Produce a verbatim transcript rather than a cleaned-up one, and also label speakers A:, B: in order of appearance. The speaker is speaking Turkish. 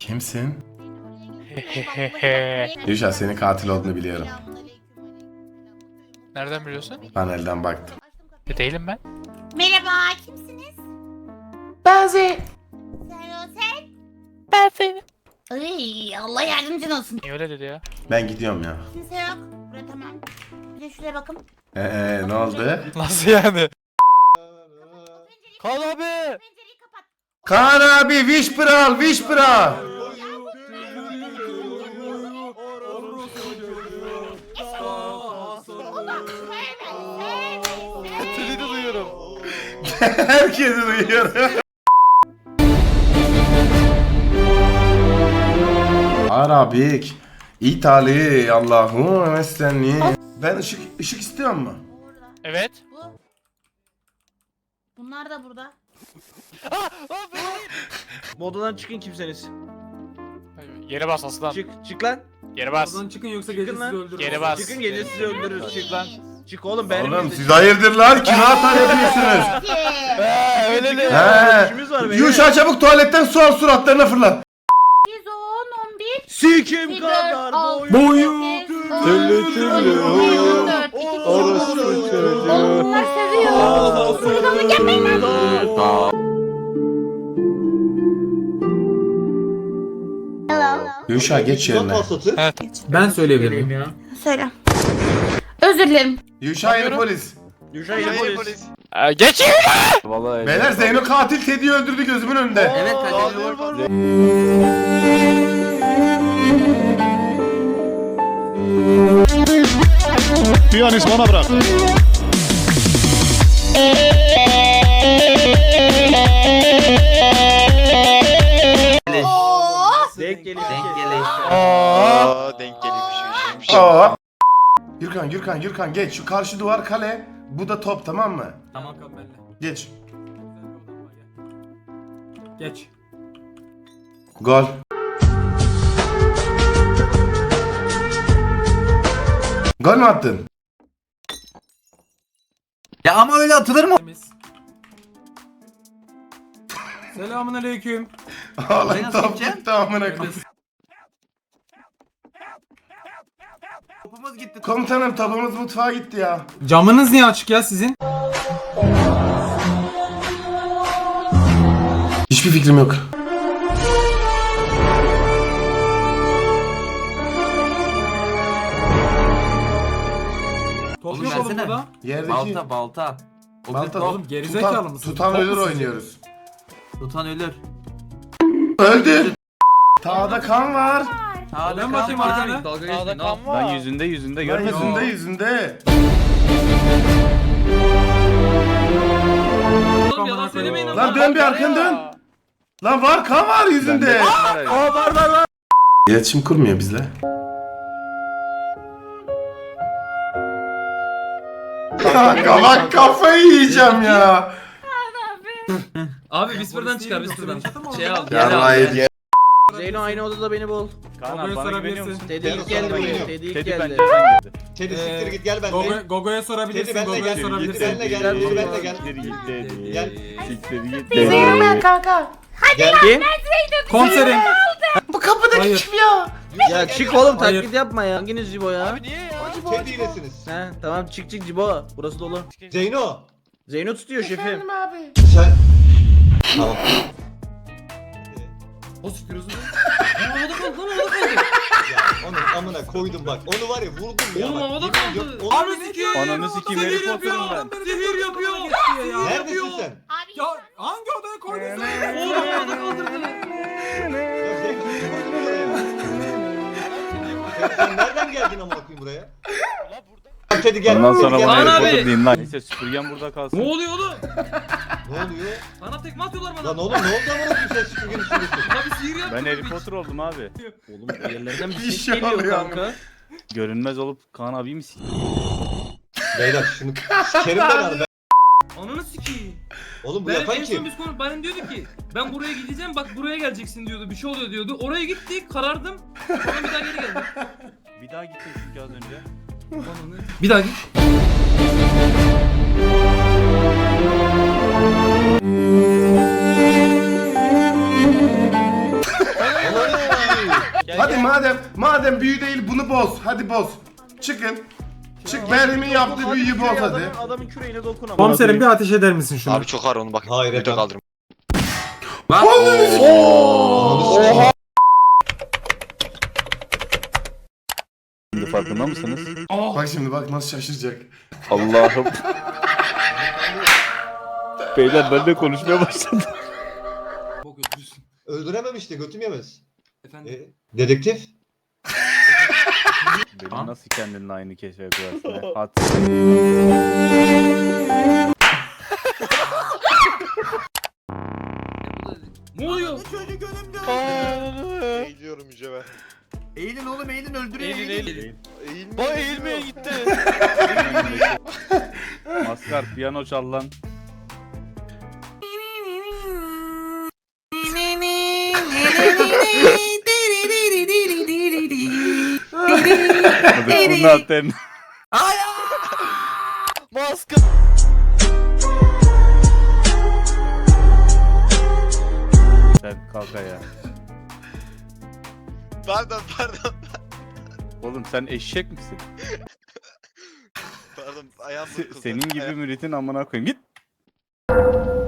A: Kimsin? Yuşa senin katil olduğunu biliyorum.
B: Nereden biliyorsun?
A: Panelden baktım.
B: E, değilim ben.
C: Merhaba, kimsiniz?
B: Ben Zeyn.
C: Sen o sen?
B: Ben Zeyn.
C: Ay, Allah yardımcın olsun.
B: Niye öyle dedi ya?
A: Ben gidiyorum ya.
C: Kimse yok. Buraya tamam. Bir de şuraya bakın.
A: Eee ne oldu?
B: Nasıl yani? Kal abi.
C: Pencereyi kapat.
A: Kaan abi Whisper'al Whisper'al.
B: Seni de duyuyorum.
A: Herkesi duyuyorum. Arabik, İtali, Allahu meslenni. Ben ışık ışık istiyor mu?
C: Burada.
B: Evet.
C: Bu. Bunlar da burada.
D: Bu odadan çıkın kimseniz.
B: Yere bas aslan.
D: Çık, çık lan.
B: Yere bas.
E: Oradan çıkın yoksa gece
D: Çıkın
E: sizi
D: lan.
E: öldürürüz.
B: Geri bas.
D: Çıkın gece sizi öldürürüz. Çık lan. Çık oğlum benim.
A: Oğlum siz hayırdır lan? Kime atar ediyorsunuz?
B: He öyle de.
A: He.
D: İşimiz var benim.
A: Yuşa çabuk tuvaletten su al suratlarına fırla.
C: yüz on, on bir.
D: Sikim kadar boyu.
E: Boyu.
A: Türlü türlü.
D: Orası çocuğu.
C: Oğlum bunlar seviyor. Buradan da gelmeyin lan. Hello.
A: Yuşa geç yerine.
B: Evet.
E: Ben söyleyebilir miyim?
C: Söyle. Özür dilerim.
A: Yuşa yeni polis.
D: Yuşa yeni polis.
B: Ee, geç yere.
A: Beyler Zeyno katil Teddy'yi öldürdü gözümün önünde.
D: Evet kaçırıyor.
F: Piyanist bana bırak.
D: Denk geliş. Denk geliş.
B: Aa.
G: Denk geliyormuş.
A: Aa. Gürkan Gürkan Gürkan geç şu karşı duvar kale. Bu da top tamam mı?
E: Tamam kal benimle.
A: Geç.
E: Geç.
A: Gol. Gol mü attın?
H: Ya ama öyle atılır mı?
E: Temiz. Selamun aleyküm.
A: Oğlum
H: nasıl
A: top
H: gideceğim?
A: gitti amına koyayım.
H: Topumuz gitti.
A: Komutanım topumuz mutfağa gitti ya.
E: Camınız niye açık ya sizin?
A: Hiçbir fikrim yok.
E: Top
H: Oğlum
E: yok oğlum
H: versene.
E: burada.
A: Yerdeki
H: Balta balta. O
A: balta
H: bir
E: Oğlum gerizekalı
A: tutan,
E: mısın?
A: tutan
E: Top
A: ölür
E: musun?
A: oynuyoruz.
H: tutan ölür.
A: Öldü. Tağda kan var.
H: Sağda
E: Ben
H: kan
E: bakayım
H: var.
E: arkana.
B: Sağda kan var.
I: Lan yüzünde yüzünde
A: Lan
I: görmedin mi?
A: yüzünde yüzünde.
E: Oğlum yalan söylemeyin ama.
A: Lan dön bir arkanı dön. Lan var kan var yüzünde.
D: Aa var var var.
A: İletişim kurmuyor bizle. Kanka bak kafayı yiyeceğim ya.
J: Abi Whisper'dan çıkar Whisper'dan. Şey al.
A: Yarrayı diye.
D: Zeyno aynı odada beni bul.
I: Kaan
E: Gogo'ya
I: abi bana güveniyor
E: sorabilirsin.
I: musun?
D: Teddy ilk
F: Gel,
D: geldi
F: sana
D: buraya.
F: geliyor.
D: Teddy ilk
I: Teddy
D: geldi.
I: bence girdi.
F: Teddy
E: Ee,
F: siktir git gel
E: Gogo,
F: benimle.
E: Gogo'ya sorabilirsin.
F: Teddy, benle
E: Gogo'ya
F: gel.
E: sorabilirsin.
F: Benle gel.
D: Gel,
F: Teddy
D: gel.
F: benle gel.
I: Siktir git dedi.
F: Gel.
I: Siktir git
C: Zeynep
I: dedi.
C: kanka.
F: Gel.
D: Kim?
E: Komiserim.
A: Bu kapıdaki
E: Hayır.
A: kim ya?
D: Ya çık oğlum
E: Hayır.
D: taklit yapma ya. Hanginiz Cibo ya?
B: Abi niye ya?
F: Teddy ilesiniz.
D: He tamam çık çık Cibo. Burası dolu.
F: Zeyno.
D: Zeyno tutuyor şefim.
C: Efendim abi.
F: Sen. Tamam.
J: O sıkıyorsun. Havada kaldı lan havada kaldı.
F: Ya onu amına koydum bak. Onu var ya vurdum ya
J: Oğlum
F: bak.
J: havada
F: Yemin
J: kaldı.
F: ediyorum, onu-
E: Ananı sikeyim.
I: Ananı sikeyim, herif
E: Zehir yapıyor.
I: oturum ben.
E: Adam beni
J: Zehir
E: zehir
J: yapıyor.
E: yapıyor. Ya.
F: Neredesin sen?
C: Abi
E: Ya hangi odaya koydun
J: Oğlum
E: sen?
J: havada kaldırdı.
F: Ya Zeyno seni koydum buraya. Sen, sen nereden geldin amına koyayım buraya?
B: Ulan burada.
F: Lan Teddy gel.
I: Ondan sonra
F: Teddy
I: bana
F: gel.
J: Kaan
I: Harry
J: abi.
I: Potter deyin lan. Neyse süpürgen burada kalsın.
J: Ne oluyor oğlum?
F: Ne oluyor?
J: Bana tekme atıyorlar bana.
F: Lan oğlum ne oldu amına koyayım sen süpürgenin üstündesin?
J: Abi sihir yapıyor.
I: Ben Harry Potter oldum abi.
D: Oğlum yerlerden bir
A: Bir
D: ses
A: şey
D: geliyor
A: oluyor
D: kanka.
I: Görünmez olup Kaan abi mi sikeyim?
F: Beyler şunu sikerim ben abi.
J: Ananı sikeyim.
F: Oğlum bu
J: Ben
F: yapan
J: en son
F: kim?
J: biz konu bana diyordu ki ben buraya gideceğim bak buraya geleceksin diyordu bir şey oluyor diyordu. Oraya gittik karardım. Sonra bir daha geri geldim.
I: Bir daha gittik çünkü az önce.
J: Ananı. Bir daha git.
F: Ananı
A: madem madem büyü değil bunu boz. Hadi boz. Çıkın. Çık Berrim'in yaptığı büyüyü boz hadi.
D: Adamın, adamın küreğine dokun ama.
E: Komiserim bir ateş eder misin şunu?
B: Abi çok ağır onu bak.
F: Hayır
B: Video
F: efendim.
B: kaldırım.
F: Oha.
I: Şimdi farkında mısınız?
A: Bak şimdi bak nasıl şaşıracak.
I: Allah'ım. Beyler ben de konuşmaya başladım.
J: Bok yapıyorsun.
F: Öldürememişti götüm yemez.
J: Efendim.
F: E, dedektif.
I: Benim nasıl kendinle aynı keşfe koyarsın ya? At.
J: Ne oluyor?
B: Eğiliyorum Yüce
H: Eğilin oğlum eğilin öldürüyor.
B: Eğilin
H: eğilin.
B: eğilin. Eğilmeye, Ba eğilmeye gitti.
I: Maskar piyano çal lan. Hadi bunu atın.
B: Maske.
I: Sen kalk ayağa.
B: Pardon pardon.
I: Oğlum sen eşek misin?
B: Pardon ayağım
I: Se-
B: burkuldu.
I: senin gibi
B: Ayağım-
I: müritin amına koyayım. Git.